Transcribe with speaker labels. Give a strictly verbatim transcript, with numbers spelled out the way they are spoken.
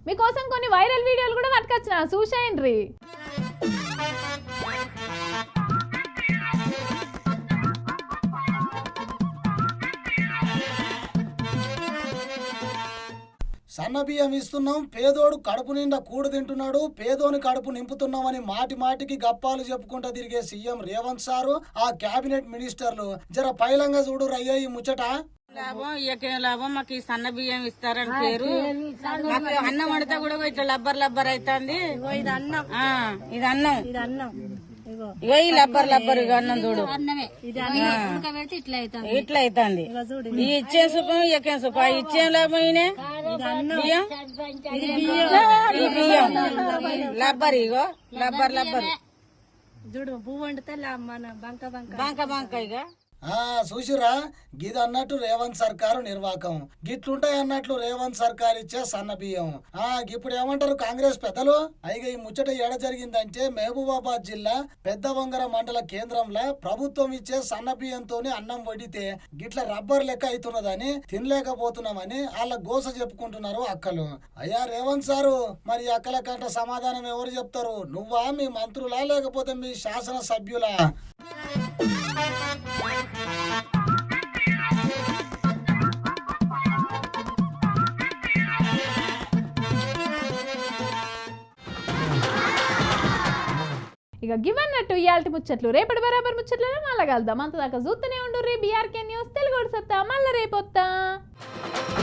Speaker 1: మీకోసం కొన్ని వైరల్ వీడియోలు కూడా పట్టుకొచ్చిన చూసేయండి.
Speaker 2: సన్న బియ్యం ఇస్తున్నాం, పేదోడు కడుపు నిండా కూడు తింటున్నాడు, పేదోని కడుపు నింపుతున్నామని మాటి మాటికి గప్పాలు చెప్పుకుంటా తిరిగే సీఎం రేవంత్ సారు ఆ కేబినెట్ మినిస్టర్లు జర పైలంగా చూడు రయ్య ఈ ముచ్చట.
Speaker 3: లాభం ఇయ్యకేం లాభం, మాకు ఈ సన్న బియ్యం ఇస్తారని పేరు. మాకు అన్నం వండితే కూడా ఇట్లా లబ్బర్ లబ్బర్ అవుతుంది. ఇది అన్నం, ఇది అన్నం, ఇది అన్నం, ఇగో ఈ లబ్బర్ లబ్బర్ ఇక అన్నం చూడు ఇట్లా అవుతుంది. ఈ ఇచ్చే సుఖం ఇయ్యకేం సుఖం, ఆ ఇచ్చే లాభం ఈయనే బియ్యం, ఈ బియ్యం లబ్బర్, ఇగో లబ్బర్ లబ్బర్
Speaker 4: చూడు పువ్వు వండితే బంక బంక
Speaker 3: బంక బంక ఇక
Speaker 2: ఆ చూసిరా, గిది అన్నట్టు రేవంత్ సర్కారు నిర్వాకం. గిట్లుంటాయి అన్నట్లు రేవంత్ సర్కార్ ఇచ్చే సన్న బియ్యం. ఆ ఇప్పుడు ఏమంటారు కాంగ్రెస్ పెద్దలు? అయిగా ఈ ముచ్చట ఏడ జరిగిందంటే మహబూబాబాద్ జిల్లా పెద్ద వంగర మండల కేంద్రంలో ప్రభుత్వం ఇచ్చే సన్న బియ్యంతో అన్నం వడితే గిట్ల రబ్బర్ లెక్క అవుతున్నదని తినలేకపోతున్నామని వాళ్ళ గోస చెప్పుకుంటున్నారు అక్కలు. అయ్యా రేవంత్ సారు, మరి అక్కల కంట సమాధానం ఎవరు చెప్తారు? నువ్వా, మీ మంత్రులా, లేకపోతే మీ శాసన సభ్యులా?
Speaker 1: ఇక గివన్నట్టు ఇయాల్టి ముచ్చట్లు. రేపటి బరాబర్ ముచ్చట్లను మళ్ళా కలుద్దాం. అంతదాకా చూస్తూనే ఉండు రీ బీఆర్కే న్యూస్ తెలుగు సత్తా. మళ్ళీ రేపొత్తా.